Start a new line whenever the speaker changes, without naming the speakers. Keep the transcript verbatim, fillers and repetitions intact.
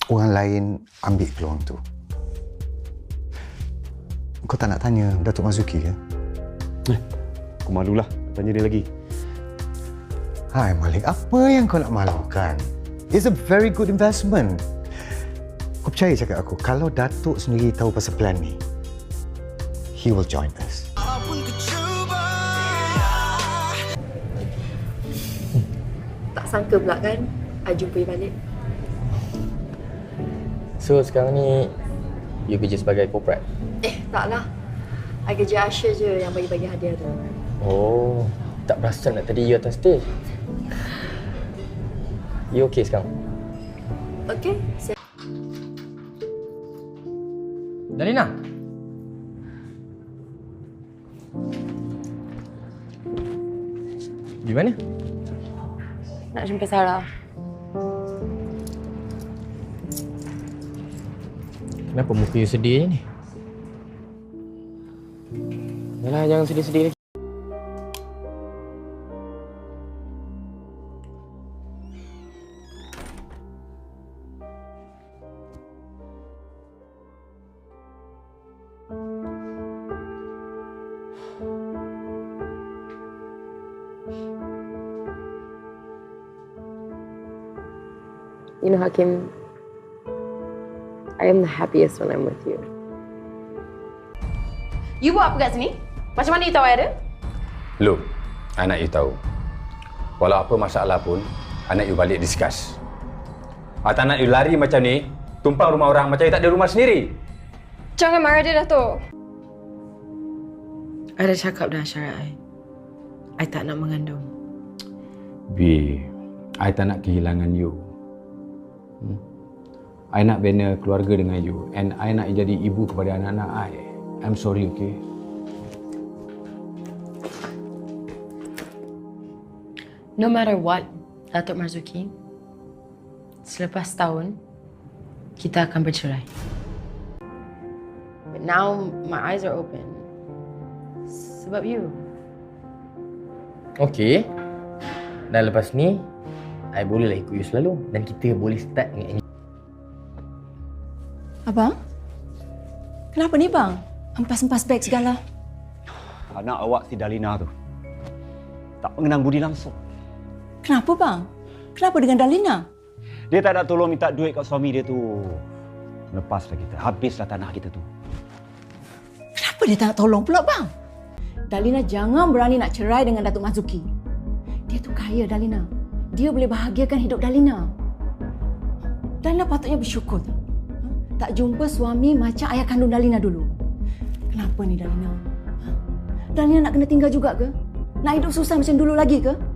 orang lain ambil peluang tu. Kau tak nak tanya Datuk Marzuki ke?
Eh, aku malulah tanya dia lagi.
Hai Malik, apa yang kau nak malukan? It's a very good investment. Kau percaya cakap aku, kalau Datuk sendiri tahu pasal plan ni, he will join us.
Tak sangka pula kan, I jumpa you balik.
So sekarang ni, you kerja sebagai corporate?
Eh, taklah. I kerja Asher je yang bagi-bagi hadiah tu.
Oh, tak perasan nak tadi you atas stage. You okay sekarang?
Okay, siap.
Dalina? Di mana?
Nak jumpa Sarah.
Kenapa muka you sedih je ni? Yalah, jangan sedih-sedih lagi.
You know, Hakim, I am the happiest when I'm with you.
You buat apa kat sini? Macam mana you tahu I ada?
Look, I nak you tahu. Walau apa masalah pun, I nak you balik discuss. I tak nak you lari macam ni, tumpang rumah orang macam you tak ada rumah sendiri.
Jangan marah dia, Datuk.
I dah cakap dah syarat I. I tak nak mengandung.
B, I tak nak kehilangan you. Hmm? I nak bina keluarga dengan you and I nak you jadi ibu kepada anak-anak I. I'm sorry, okay?
No matter what, Datuk Marzuki, selepas tahun, kita akan bercerai. But now, my eyes are open. Sebab you.
Okay. Dan lepas ni, I bolehlah ikut you selalu. Dan kita boleh start dengan ini.
Abang? Kenapa ni bang? Empas-empas beg segala.
Anak awak si Dalina tu tak mengenang budi langsung.
Kenapa bang? Kenapa dengan Dalina?
Dia tak nak tolong minta duit kat suami dia tu. Lepaslah kita. Habislah tanah kita tu.
Kenapa dia tak nak tolong pula bang? Dalina jangan berani nak cerai dengan Datuk Marzuki. Dia tu kaya, Dalina. Dia boleh bahagiakan hidup Dalina. Dalina patutnya bersyukur. Tak jumpa suami macam ayah kandung Dalina dulu. Kenapa ni Dalina? Dalina nak kena tinggal juga ke? Nak hidup susah macam dulu lagi ke?